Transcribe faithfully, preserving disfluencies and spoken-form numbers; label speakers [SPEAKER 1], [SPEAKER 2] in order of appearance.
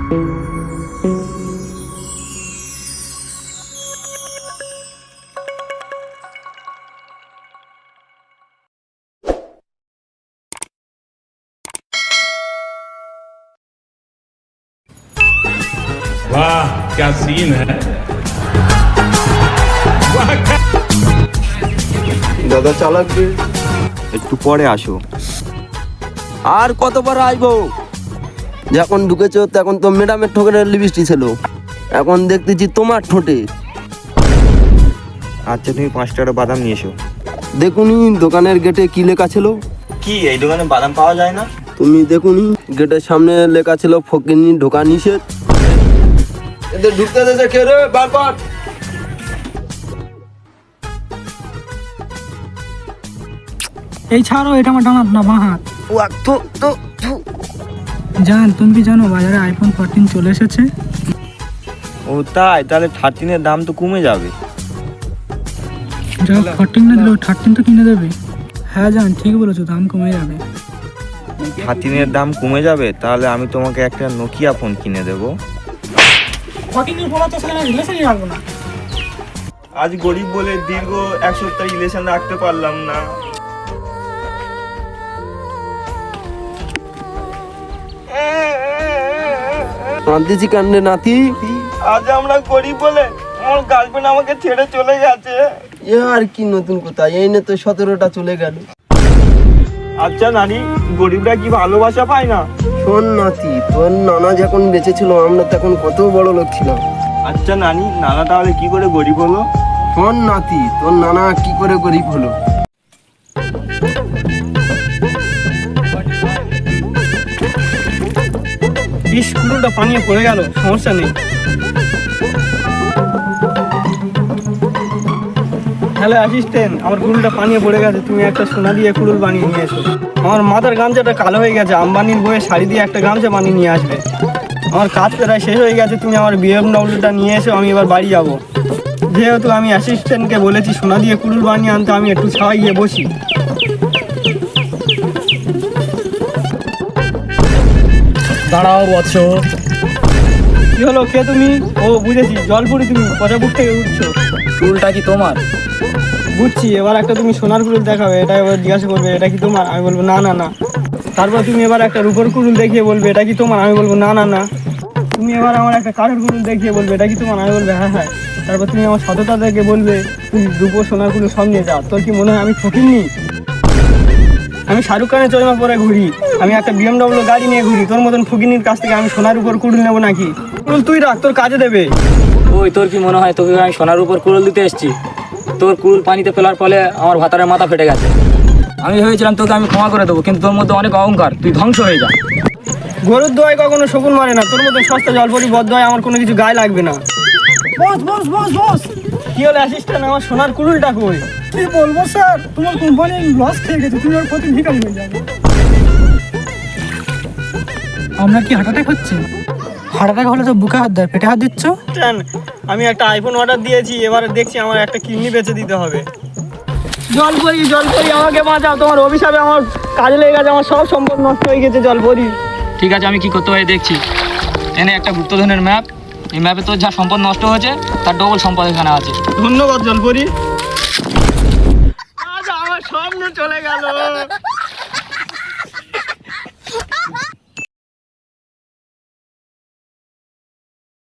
[SPEAKER 1] वाह क्या सीन है।
[SPEAKER 2] দাদা চালাক রে, একটু পরে আসো। আর কতবার আসবো? যখন ঢুকেছো তখন তো ম্যাডামের ঠোঁটের লিপস্টিক ছিল, এখন দেখতেছি তোমার ঠোঁটে।
[SPEAKER 3] আচ্ছা তুমি পাঁচ টাকার বাদাম নিয়ে এসো।
[SPEAKER 2] দেখুনি দোকানের গেটে কি লেখা ছিল?
[SPEAKER 3] কি এই দোকানে বাদাম পাওয়া যায় না?
[SPEAKER 2] তুমি দেখুনি গেটের সামনে লেখা ছিল ফকিনি ঢোকা নিষেধ। এদের ঢুকতে দেছে কে রে? বার কর।
[SPEAKER 4] এই ছাড়ো, এটা আমার ডান হাত না বাঁ হাত।
[SPEAKER 2] ওয়া তো তো তো।
[SPEAKER 4] জান, তুমি কি জানো বাজারে আইফোন ফোরটিন চলে এসেছে?
[SPEAKER 3] ও তাই? তাহলে থার্টিনের দাম তো কমে যাবে।
[SPEAKER 4] যা ফোরটিন না দিলেও থার্টিন তো কিনে দেবে। হ্যাঁ জান, ঠিক বলেছো, দাম কমে যাবে।
[SPEAKER 3] থার্টিনের দাম কমে যাবে, তাহলে আমি তোমাকে একটা নোকিয়া ফোন কিনে দেবো।
[SPEAKER 4] ফোরটিনের ফোন তো সেখানে রিলেশনই রাখবো না।
[SPEAKER 3] আজ গরিব বলে দীর্ঘ এক সপ্তাহ রিলেশন রাখতে পারলাম না।
[SPEAKER 2] কান্দিছি কান্নে নাতি।
[SPEAKER 3] আজ আমরা গরিব বলে আমার গার্লফ্রেন্ড আমাকে ছেড়ে চলে গেছে।
[SPEAKER 2] এ আর কি নতুন কথা, এই নিয়ে তো সতেরোটা চলে গেল।
[SPEAKER 3] আচ্ছা নানি, গরিবরা কি ভালোবাসা পায় না?
[SPEAKER 2] শোন নাতি, তোর নানা যখন বেঁচে ছিল আমরা তখন কত বড় লোক ছিলাম।
[SPEAKER 3] আচ্ছা নানি, নানা তাহলে কি করে গরিব হলো?
[SPEAKER 2] শোন নাতি, তোর নানা কি করে গরিব হলো।
[SPEAKER 4] স্কুলটা পানিয়ে পড়ে গেল, সমস্যা নেই। হ্যালো অ্যাসিস্ট্যান্ট, আমার কুড়ুলটা পানিয়ে পড়ে গেছে, তুমি একটা সোনা দিয়ে কুড়ুল বানিয়ে নিয়ে এসো। আমার মাথার গামছাটা কালো হয়ে গেছে, আম্বানির বইয়ে শাড়ি দিয়ে একটা গামছা বানিয়ে নিয়ে আসবে। আমার কাজ প্রায় শেষ হয়ে গেছে, তুমি আমার বিএমডব্লিউটা নিয়ে এসো, আমি এবার বাড়ি যাব। যেহেতু আমি অ্যাসিস্ট্যান্টকে বলেছি সোনা দিয়ে কুড়ুল বানিয়ে আনতে, আমি একটু ছাওয়াই গিয়ে বসি।
[SPEAKER 5] দাঁড়াও বৎস।
[SPEAKER 4] কি হলো, কে তুমি? ও বুঝেছি, জলপুরি তুমি পচাপুর থেকে উঠছো।
[SPEAKER 5] চুলটা কি তোমার?
[SPEAKER 4] বুঝছি, এবার একটা তুমি সোনার কুড়ুল দেখাবে, এটা এবার জিজ্ঞাসা করবে এটা কি তোমার, আমি বলবো না না না। তারপর তুমি এবার একটা রূপোর কুড়ুল দেখিয়ে বলবে এটা কি তোমার, আমি বলবো না না না। তুমি এবার আমার একটা কাঠের কুড়ুল দেখিয়ে বলবে এটা কি তোমার, আমি বলবো হ্যাঁ হ্যাঁ। তারপর তুমি আমার সততা দেখে বলবে তুই রূপোর সোনার কুড়ুল সব নিয়ে যা। তোর কি মনে হয় আমি ফকিরনি? আমি শাহরুখ খানের চশমা পরে ঘুরি, আমি একটা বিএমডব্লিউ গাড়ি নিয়ে ঘুরি, তোর মতন ফকিরনির কাছ থেকে আমি সোনার উপর কুড়ুল নেবো নাকি? কুড়ুল তুই রাখ, তোর কাজে দেবে।
[SPEAKER 5] ওই তোর কি মনে হয় তোকে আমি সোনার উপর কুড়ুল দিতে এসেছি? তোর কুড়ুল পানিতে ফেলার ফলে আমার ভাতারের মাথা ফেটে গেছে। আমি ভেবেছিলাম তোকে আমি ক্ষমা করে দেবো, কিন্তু তোর মধ্যে অনেক অহংকার, তুই ধ্বংস হয়ে যা।
[SPEAKER 4] গরুর দোয়ায় কখনো শকুন মারে না, তোর মতো সস্তা জলপরি বদয় আমার কোনো কিছু গায়ে লাগবে না। বস বস বস বস। কি হলো অ্যাসিস্ট্যান্ট, আমার সোনার কুড়ুলটা কই? কি বলবো স্যার, তোমার কোম্পানি লস খেয়ে গেছে, তুমি ওর প্রতি ভিখারি হয়ে যাবে। আমরা কি হার্ট অ্যাটাক হচ্ছে? হার্ট অ্যাটাক হলে তো বুকে হাত দেয়, পেটে হাত দিচ্ছ। আমি একটা আইফোন অর্ডার দিয়েছি, এবার দেখছি আমার একটা কিডনি বেচে দিতে হবে। জলপরি জলপরি আমাকে বাঁচাও, তোমার অভিশাপে আমার কাজে লেগে গেছে, আমার সব সম্পদ নষ্ট হয়ে গেছে জলপরি।
[SPEAKER 5] ঠিক আছে, আমি কি করতে পারি দেখছি। এনে একটা গুপ্তধনের ম্যাপ, এই ম্যাপে তোর যা সম্পদ নষ্ট হয়েছে তার ডবল সম্পদ এখানে আছে।
[SPEAKER 4] ধন্যবাদ জলপরি। আজ আমার সামনে চলে গেল।